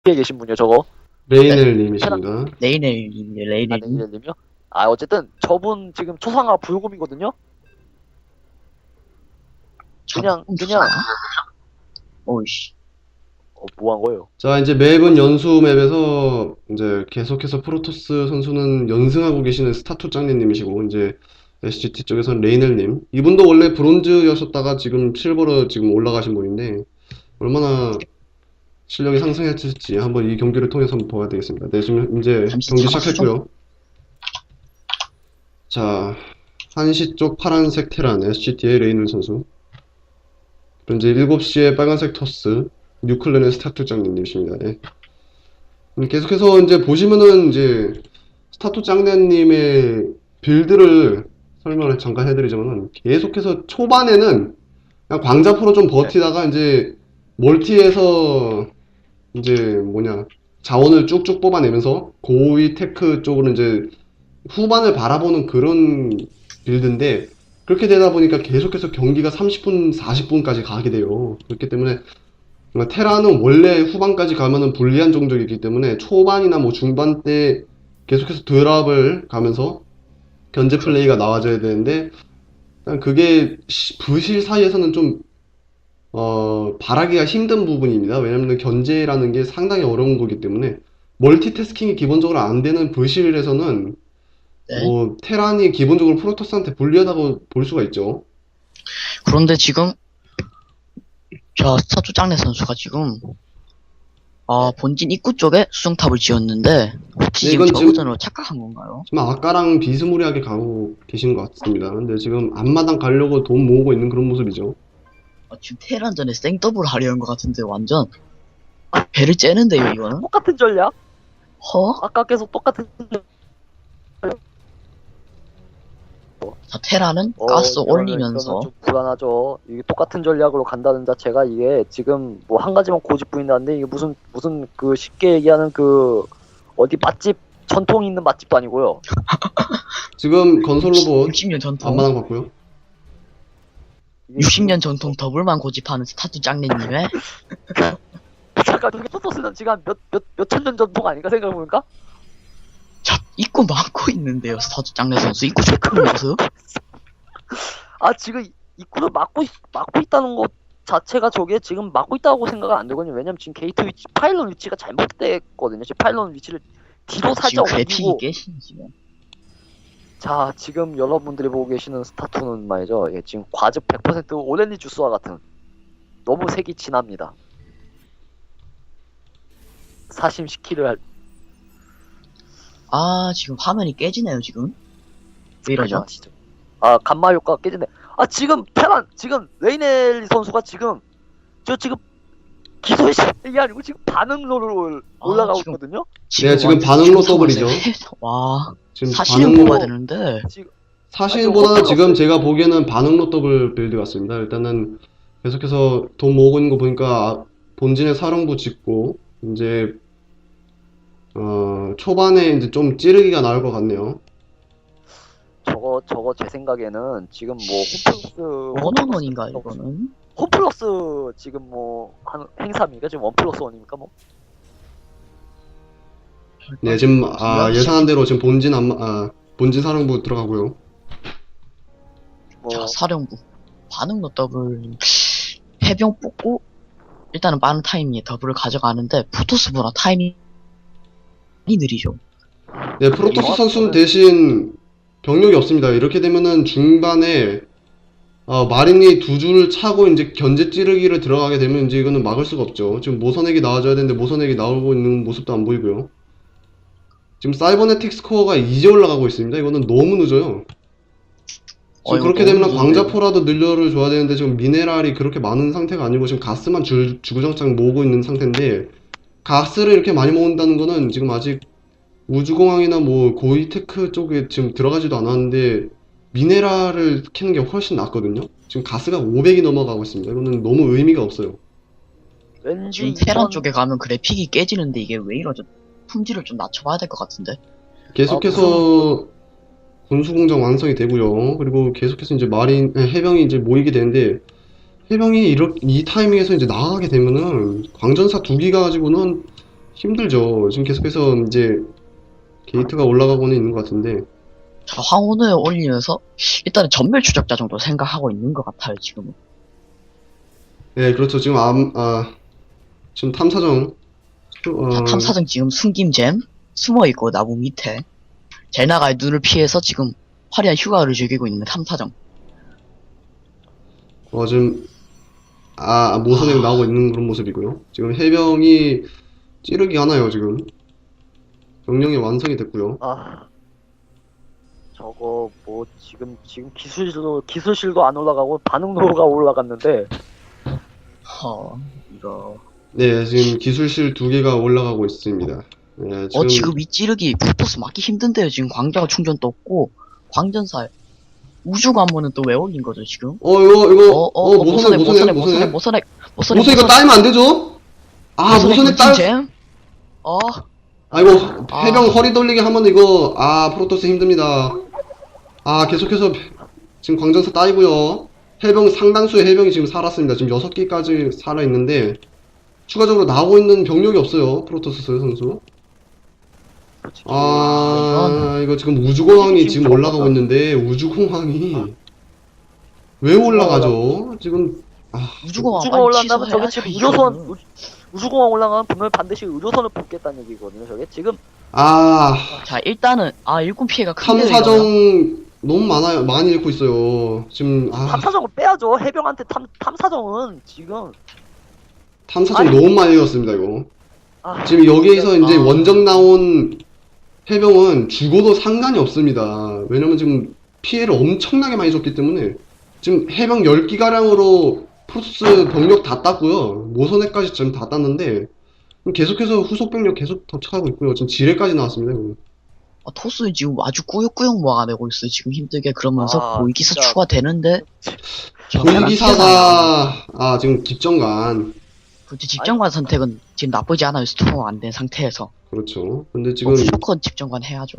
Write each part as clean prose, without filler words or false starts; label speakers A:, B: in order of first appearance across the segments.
A: 뒤에 계신 분이요, 저거.
B: 레이넬님이십니다.
C: 레이넬님이요,
A: 아,
C: 레이넬님.
A: 네님이요? 아, 어쨌든 저분 지금 초상화 불금이거든요. 그냥
C: 오이씨.
A: 뭐 한 거예요?
B: 자, 이제 맵은 연수 맵에서 이제 계속해서 프로토스 선수는 연승하고 계시는 스타투 짱리님이시고, 이제 SGT 쪽에서는 레이넬님. 이분도 원래 브론즈였었다가 지금 실버로 지금 올라가신 분인데, 얼마나 실력이 상승했을지 한번 이 경기를 통해서 한번 봐야 되겠습니다. 네, 지금 이제
C: 잠시
B: 경기
C: 잡았죠?
B: 시작했고요. 자, 한시 쪽 파란색 테란 SGT의 레이넬 선수. 그리고 이제 7시에 빨간색 토스 뉴클랜의 스타투 짱님이십니다. 예. 계속해서 이제 보시면은 이제 스타투 짱네님의 빌드를 설명을 잠깐 해드리자면은 계속해서 초반에는 그냥 광자포로 좀 버티다가 이제 멀티에서 이제 뭐냐 자원을 쭉쭉 뽑아내면서 고위 테크 쪽으로 이제 후반을 바라보는 그런 빌드인데 그렇게 되다 보니까 계속해서 경기가 30분, 40분까지 가게 돼요. 그렇기 때문에 테라는 원래 후반까지 가면은 불리한 종족이기 때문에 초반이나 뭐 중반 때 계속해서 드랍을 가면서 견제 플레이가 나와줘야 되는데 그게 부실 사이에서는 좀 바라기가 힘든 부분입니다. 왜냐면 견제라는 게 상당히 어려운 거기 때문에 멀티태스킹이 기본적으로 안 되는 부실에서는
C: 네.
B: 뭐 테란이 기본적으로 프로토스한테 불리하다고 볼 수가 있죠.
C: 그런데 지금, 저 스타투 짱네 선수가 지금, 본진 입구 쪽에 수정탑을 지었는데, 혹시
B: 네,
C: 지금
B: 이건
C: 저그전으로 착각한 건가요?
B: 지금 아까랑 비스무리하게 가고 계신 것 같습니다. 근데 지금 앞마당 가려고 돈 모으고 있는 그런 모습이죠.
C: 지금 테란전에 생더블 하려는 것 같은데, 완전. 배를 째는데요, 이거는?
A: 똑같은 전략?
C: 허?
A: 아까 계속 똑같은 전략.
C: 자, 테라는 가스 올리면서,
A: 이거는 좀 불안하죠. 이게 똑같은 전략으로 간다는 자체가 이게 지금 뭐 한 가지만 고집부린다는데 이게 무슨 그 쉽게 얘기하는 그 어디 맛집 전통 있는 맛집도 아니고요.
B: 지금 건설 로봇
C: 60년 전통,
B: 앞마당 봤고요.
A: 이게
C: 60년 전통 더블만 고집하는 스타투 짱네님의,
A: 잠깐 저게 포토스는 지금 한 몇천 년 전통 아닌가 생각해보니까?
C: 자, 입구 막고 있는데요, 스타투 짱네 선수. 입구 체크를 모습?
A: 아 지금 입구를 막고 있다는 것 자체가 저게 지금 막고 있다고 생각은 안 되거든요. 왜냐면 지금 게이트 위치 파일럿 위치가 잘못됐거든요. 지금 파일럿 위치를 뒤로
C: 지금
A: 살짝
C: 그래픽이
A: 옮기고
C: 깨시네, 지금.
A: 자 지금 여러분들이 보고 계시는 스타투는 말이죠. 예, 지금 과즙 100% 오렌지 주스와 같은 너무 색이 진합니다. 사심시키를 할
C: 지금 화면이 깨지네요, 지금. 왜 이러죠?
A: 진짜. 아 감마 효과가 깨지네. 아 지금 테란 지금 레이넬 선수가 지금 지금 기소의 시이 아니고 지금 반응로를 올라가고
B: 네,
C: 지금
A: 있거든요.
B: 지금
C: 완전
B: 반응로
C: 중성을
B: 더블이죠.
C: 와,
B: 지금
C: 사실은
B: 반응로
C: 뽑아야 되는데.
A: 지금
B: 사실보다는
A: 아니,
B: 지금 제가 보기에는 반응로 더블 빌드 같습니다. 일단은 계속해서 돈 모으고 있는 거 보니까 본진에 사령부 짓고 이제 초반에 이제 좀 찌르기가 나올 것 같네요.
A: 저거 제 생각에는 지금 뭐
C: 원원원인가, 이거는?
A: 홈플러스 지금 뭐 한 행사입니까? 지금 1+1입니까? 뭐
B: 네, 지금 예상한 대로 지금 본진 사령부 들어가고요.
A: 뭐
C: 자, 사령부. 반응로 더블. 해병 뽑고, 일단은 빠른 타이밍에 더블을 가져가는데, 프로토스보다 타이밍이 느리죠.
B: 네, 프로토스 선수는 대신 병력이 없습니다. 이렇게 되면은 중반에 마린이 두 줄을 차고 이제 견제 찌르기를 들어가게 되면 이제 이거는 막을 수가 없죠. 지금 모선액이 나와줘야 되는데 모선액이 나오고 있는 모습도 안 보이고요. 지금 사이버네틱 스코어가 이제 올라가고 있습니다. 이거는 너무 늦어요. 지금
C: 이거
B: 그렇게
C: 너무
B: 되면
C: 늦은데요?
B: 광자포라도 늘려를 줘야 되는데 지금 미네랄이 그렇게 많은 상태가 아니고 지금 가스만 주구장창 모으고 있는 상태인데 가스를 이렇게 많이 모은다는 거는 지금 아직 우주공항이나 뭐 고이테크 쪽에 지금 들어가지도 않았는데 미네랄을 캐는 게 훨씬 낫거든요. 지금 가스가 500이 넘어가고 있습니다. 이거는 너무 의미가 없어요.
A: 왠지
C: 지금 테란
A: 이번
C: 쪽에 가면 그래픽이 깨지는데 이게 왜 이러죠? 품질을 좀 낮춰봐야 될 것 같은데.
B: 계속해서 군수공장 완성이 되고요. 그리고 계속해서 이제 해병이 이제 모이게 되는데 해병이 이 타이밍에서 이제 나가게 되면은 광전사 2기 가지고는 힘들죠. 지금 계속해서 이제 게이트가 올라가고는 있는 것 같은데.
C: 자, 황혼을 올리면서 일단은 전멸 추적자 정도 생각하고 있는 것 같아요, 지금은.
B: 네, 그렇죠. 지금 지금 탐사정.
C: 자, 탐사정 지금 숨김잼 숨어있고 나무 밑에 젤나가의 눈을 피해서 지금 화려한 휴가를 즐기고 있는 탐사정.
B: 지금 모선에 나오고 있는 그런 모습이고요. 지금 해병이 찌르기 하나요, 지금. 명령이 완성이 됐고요.
A: 아, 저거 뭐 지금 기술실도 안 올라가고 반응로가 올라갔는데
C: 이거.
B: 네, 지금 기술실 2개가 올라가고 있습니다. 네,
C: 지금 이 찌르기 프로토스 맞기 힘든데요. 지금 광자가 충전도 없고 광전살 우주관문은 또 왜 올린 거죠 지금? 모선액
B: 모선 이거 따이면 안 되죠? 모선액
C: 잼?
B: 아이고, 해병 허리 돌리게 하면 이거, 프로토스 힘듭니다. 계속해서 지금 광전사 따이고요. 해병 상당수의 해병이 지금 살았습니다. 지금 6개까지 살아있는데, 추가적으로 나오고 있는 병력이 없어요. 프로토스 선수. 이거 지금 우주공항이 지금 올라가고 있는데, 우주공항이 왜 올라가죠? 지금,
C: 우주공항
A: 올라간다면 저게 지금 우주공항 올라가면 분명히 반드시 의료선을 뽑겠다는 얘기거든요. 저게 지금
C: 자, 일단은 일꾼 피해가 큰데
B: 탐사정 너무 많아요. 많이 잃고 있어요. 지금
A: 탐사정을 빼야죠. 해병한테 탐사정은 지금
B: 탐사정 너무 많이 잃었습니다. 이거 지금 여기에서 이제 원정 나온 해병은 죽어도 상관이 없습니다. 왜냐면 지금 피해를 엄청나게 많이 줬기 때문에 지금 해병 10기가량으로 프로토스 병력 다 땄고요. 모선회까지 지금 다 땄는데 계속해서 후속 병력 계속 도착하고 있고요. 지금 지뢰까지 나왔습니다. 이거.
C: 토스는 지금 아주 꾸역꾸역 모아내고 있어요. 지금 힘들게. 그러면서 고위기사
A: 진짜.
C: 추가되는데
B: 고위기사가 지금 집정관.
C: 그렇지, 집정관 선택은 지금 나쁘지 않아요. 스토어 안 된 상태에서.
B: 그렇죠. 근데 지금
C: 무조건 집정관 해야죠.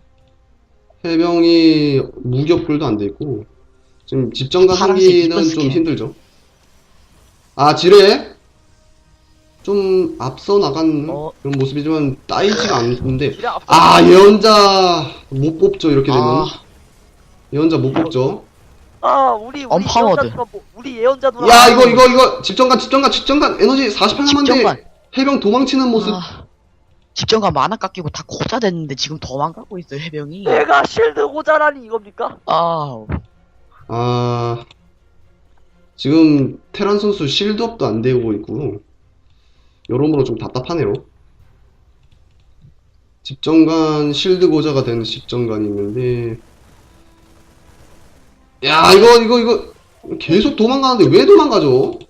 B: 해병이 무기 업글도 안 돼 있고 지금 집정관 하기는 좀 힘들죠. 지뢰 좀 앞서 나간 그런 모습이지만 따이지가 않는데 예언자 못 뽑죠. 이렇게 되면 예언자 못 뽑죠.
A: 우리
C: 언파워드.
A: 우리 예언자 누나.
B: 이거 집정관 에너지 48 남았는데 해병 도망치는 모습.
C: 집정관 만화 깎이고 다 고자 됐는데 지금 도망가고 있어요. 해병이.
A: 내가 실드 고자라니 이겁니까?
B: 지금 테란 선수 실드업도 안 되고 있고 여러모로 좀 답답하네요. 집정관 실드 고자가 되는 집정관이 있는데 이거 계속 도망가는데 왜 도망가죠?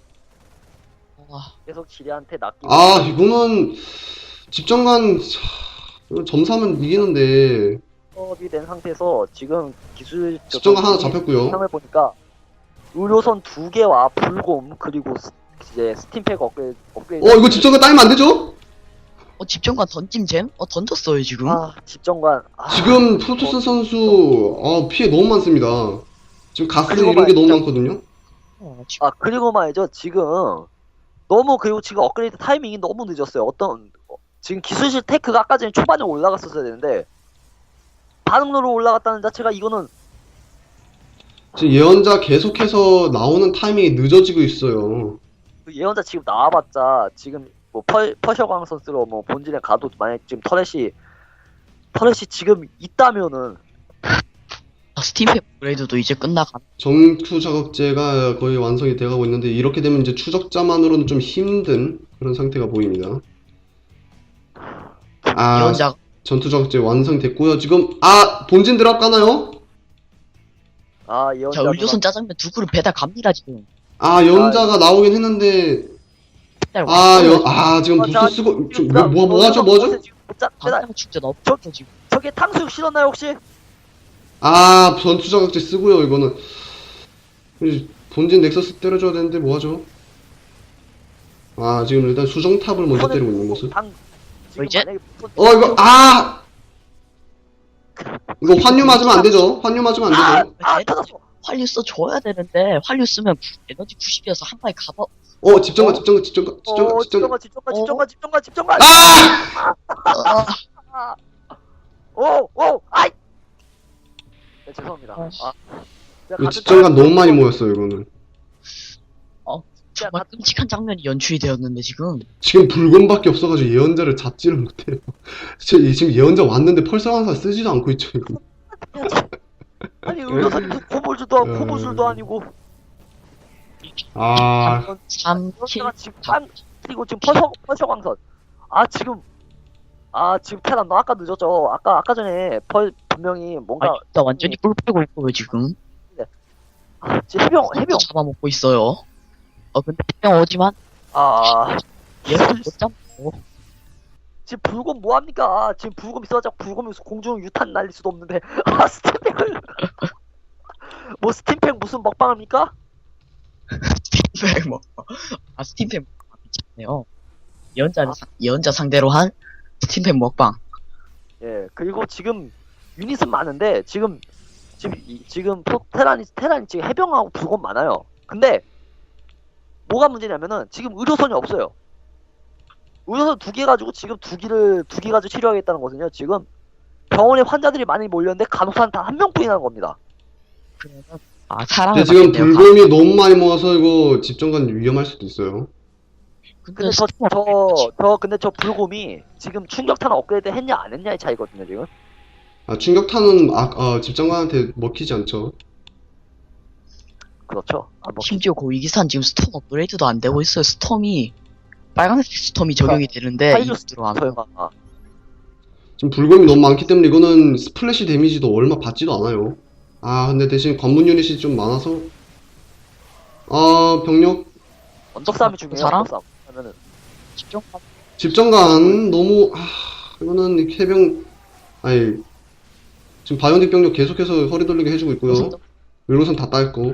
A: 계속 지뢰한테 낚이고.
B: 이거는 집정관 점사면 이기는데
A: 업이 된 상태에서 지금 기술
B: 집정관 하나 잡혔고요.
A: 상을 보니까 의료선 2개와 불곰 그리고 이제 스팀팩 업그레이드.
B: 이거 집정관 따이면 안 되죠?
C: 집정관 던짐잼? 던졌어요 지금.
A: 집정관.
B: 지금 프로토스 선수 피해 너무 많습니다. 지금 가스 이런 게 너무 많거든요.
A: 그리고 말이죠. 지금 너무 그리고 지금 업그레이드 타이밍이 너무 늦었어요. 지금 기술실 테크가 아까 전에 초반에 올라갔었어야 되는데 반응로로 올라갔다는 자체가 이거는
B: 지금 예언자 계속해서 나오는 타이밍이 늦어지고 있어요.
A: 예언자 지금 나와봤자 지금 뭐 퍼셔광 선수로 뭐 본진에 가도 만약 지금 터렛이 지금 있다면은
C: 스팀팩 업그레이드도 이제 끝나가.
B: 정투 자극제가 거의 완성이 돼가고 있는데 이렇게 되면 이제 추적자만으로는 좀 힘든 그런 상태가 보입니다.
C: 예언자
B: 전투 자극제 완성됐고요. 지금 본진 들어가나요?
A: 예언자
C: 의료선 짜장면 2그릇 배달 갑니다 지금.
B: 예언자가 나오긴 했는데 지금 부스 쓰고 뭐하죠?
C: 당장 축제 없죠 지금.
A: 저게 탕수육 실었나요 혹시?
B: 전투 자극제 쓰고요. 이거는 본진 넥서스 때려줘야 되는데 뭐하죠? 지금 일단 수정탑을 먼저 때리고 있는 모습.
C: 이제
B: 이거 환유 맞으면 안 되죠? 환유 맞으면 안 되죠?
A: 터졌어.
C: 활류 써줘야 되는데 활류 쓰면 에너지 90이어서 한 방에
B: 집정관,
A: 어?
B: 집정관, 집정관, 집정관, 집정관.
A: 집정관.
B: 아!
C: 아,
A: 아이. 네, 죄송합니다.
C: 아,
A: 제가
B: 이거
A: 같은
B: 집정관 너무 많이
A: 거-
B: 모였어요, 이거는.
C: 정말 끔찍한 장면이 연출이 되었는데 지금
B: 지금 붉은밖에 없어가지고 예언자를 잡지를 못해요. 지금 예언자 왔는데 펄서왕사 쓰지도 않고 있죠, 이거.
A: 아니 의료사님도 고물줄도
B: 음.
A: 고물줄도 아니고
B: 아,
C: 3, 7,
A: 그런데가 지금 그리고 지금 펄셔광선 지금 테란 너 아까 늦었죠. 아까 전에 분명히 뭔가
C: 나 완전히 뿔 빼고 있고요 지금.
A: 지금 해병
C: 잡아먹고 있어요. 근데 해병 오지만 얘를 못 잡고.
A: 지금 불곰 뭐합니까? 지금 불곰 있어가지고 불곰이 공중 유탄 날릴 수도 없는데 스팀팩을 뭐 스팀팩 무슨 먹방합니까?
C: 스팀팩 뭐. 스팀팩 먹방 괜찮네요. 예언자 상대로 한 스팀팩 먹방.
A: 예 그리고 지금 유닛은 많은데 지금 테란이 지금 해병하고 불곰 많아요. 근데 뭐가 문제냐면은 지금 의료선이 없어요. 의료선 2개 가지고 지금 2개 가지고 치료하겠다는 거거든요. 지금 병원에 환자들이 많이 몰렸는데 간호사는 단 한 명뿐이라는 겁니다.
C: 그러면 사람을
B: 근데 지금
C: 맡겠네요.
B: 불곰이 너무 많이 모아서 이거 집정관 위험할 수도 있어요.
A: 근데
C: 스팀
A: 근데 저 불곰이 지금 충격탄 업그레이드 했냐 안 했냐의 차이거든요, 지금.
B: 충격탄은 집정관한테 먹히지 않죠.
A: 그렇죠. 뭐
C: 심지어 고위기산 지금 스톰 업그레이드도 안 되고 있어요. 스톰이 빨간색 스톰이 적용이 되는데 이거
A: 파이러스
C: 들어가면
A: 설마.
B: 지금 불곰이 너무 많기 때문에 이거는 스플래시 데미지도 얼마 받지도 않아요. 근데 대신 관문 유닛이 좀 많아서 병력
A: 언덕 싸움이 중요해요.
C: 사람?
A: 언덕 싸움. 하면은
C: 집중.
B: 집정관 너무 이거는 해병 지금 바이오닉 병력 계속해서 허리 돌리게 해주고 있고요. 의료선 다 따있고.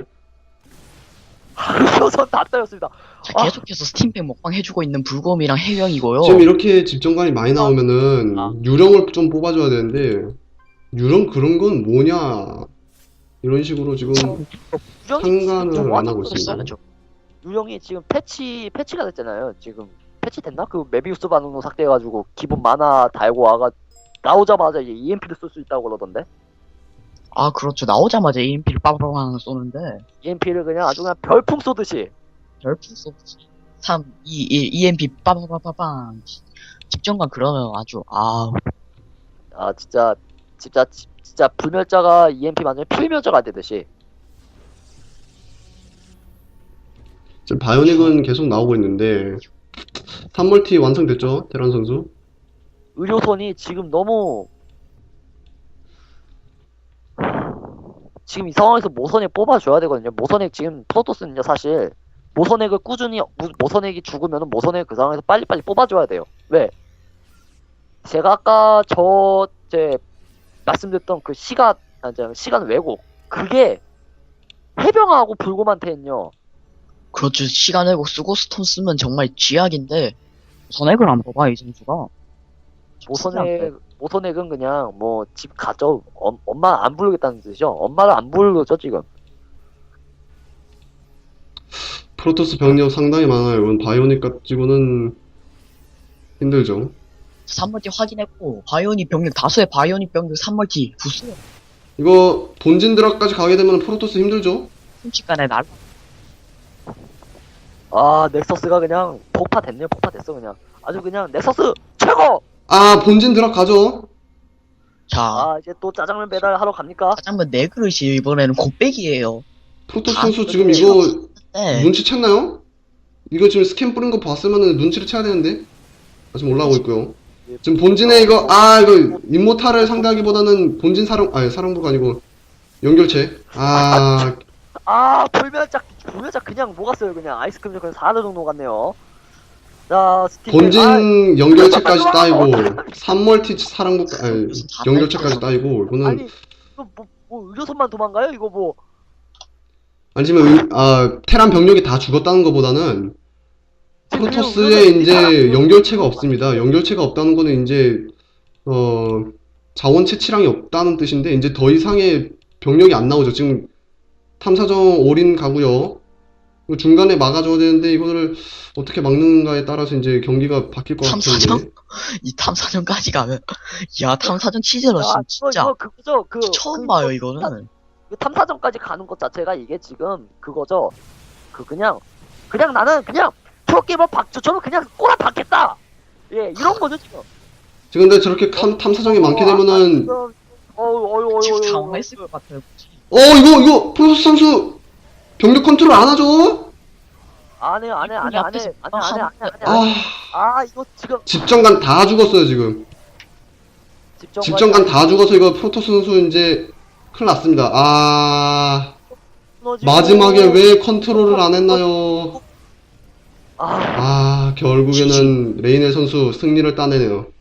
A: 의료선 다 따였습니다.
C: 자, 계속해서 스팀팩 먹방 해주고 있는 불곰이랑 해병이고요.
B: 지금 이렇게 집정관이 많이 나오면은 유령을 좀 뽑아줘야 되는데 유령 그런 건 뭐냐 이런 식으로 지금 상관을 안 하고 있습니다.
A: 유령이 지금 패치가 됐잖아요. 지금 패치됐나? 그 메비우스 반응로 삭제해가지고 기본 만화 달고 나오자마자 이제 EMP를 쏠 수 있다고 그러던데.
C: 그렇죠. 나오자마자 EMP를 빠바바방 쏘는데
A: EMP를 그냥 아주 그냥 별풍 쏘듯이.
C: 별풍 쏘듯이 3, 2, 1 EMP 빠바바바방. 집정관 그러면 아주
A: 진짜 불멸자가 EMP 맞으면 필멸자가 되듯이.
B: 지금 바이오닉은 계속 나오고 있는데 3멀티 완성됐죠? 테란 선수.
A: 의료선이 지금 너무 지금 이 상황에서 모선액 뽑아줘야 되거든요. 모선액 지금 프로토스는요 사실 모선액을 꾸준히 모선액이 죽으면 모선액 그 상황에서 빨리빨리 뽑아줘야 돼요. 왜? 제가 아까 제 말씀드렸던 그 시간 왜곡 그게 해병하고 불곰한테는요.
C: 그렇죠. 시간 왜곡 쓰고 스톤 쓰면 정말 쥐약인데 선액을 안 뽑아 이 선수가.
A: 모선액은 그냥 뭐 집 가죠. 엄마 안 부르겠다는 뜻이죠. 엄마를 안 부르죠 지금.
B: 프로토스 병력 상당히 많아요. 이건 바이오닉 가지고는 힘들죠.
C: 3멀티 확인했고 바이오닉 병력 다수의 바이오닉 병력 3멀티 부수.
B: 이거 본진 드랍까지 가게 되면 프로토스 힘들죠?
C: 순식간에 날.
A: 넥서스가 그냥 폭파됐어 그냥. 아주 그냥 넥서스 최고.
B: 본진 드랍 가죠?
C: 자,
A: 이제 또 짜장면 배달하러 갑니까?
C: 짜장면 4그릇이 이번에는 곱빼기예요.
B: 프로토스 선수 지금 이거
C: 네.
B: 눈치챘나요? 이거 지금 스캔 뿌린 거 봤으면은 눈치를 채야 되는데 지금 올라오고 있고요. 지금 본진에 이거 임모탈을 상대하기보다는 본진 사령부가 아니고 연결체.
A: 불멸자 그냥 녹았어요. 그냥 아이스크림 그냥 4대 정도 녹았네요. 자,
B: 본진 연결체까지 따이고 3멀티 사령부 연결체까지 따이고 이거는
A: 아니 이거 뭐 의료선만 도망가요? 이거 뭐
B: 아니지만 테란 병력이 다 죽었다는 것보다는 프로토스에 이제 연결체가 없습니다. 연결체가 없다는 거는 이제 자원 채취량이 없다는 뜻인데 이제 더 이상의 병력이 안 나오죠. 지금 탐사정 올인 가고요. 이거 중간에 막아줘야 되는데 이거를 어떻게 막는가에 따라서 이제 경기가 바뀔 것
C: 탐사정?
B: 같은데.
C: 이 탐사정까지 가면 야 탐사정 치즈러시
A: 야,
C: 진짜
A: 이거 그거죠.
C: 처음 봐요 이거는.
A: 그 탐사정까지 가는 것 자체가 이게 지금 그거죠. 그냥 나는 그냥 프로게이머 박주처럼 그냥 꼬라 박겠다. 예, 이런 거죠 지금.
B: 지금 근데 저렇게 탐사정이 많게 되면은
C: 지금 당황했을 것 같아요.
B: 이거 프로토스 선수 병력 컨트롤 안 하죠?
A: 안해.
B: 아,
A: 아, 이거 지금
B: 집정관 다 죽었어요 지금. 집정관 다 죽어서 이거 프로토스 선수 이제 큰일 났습니다. 아, 마지막에 왜 컨트롤을 안 했나요?
A: 아,
B: 아, 결국에는 레이넬 선수 승리를 따내네요.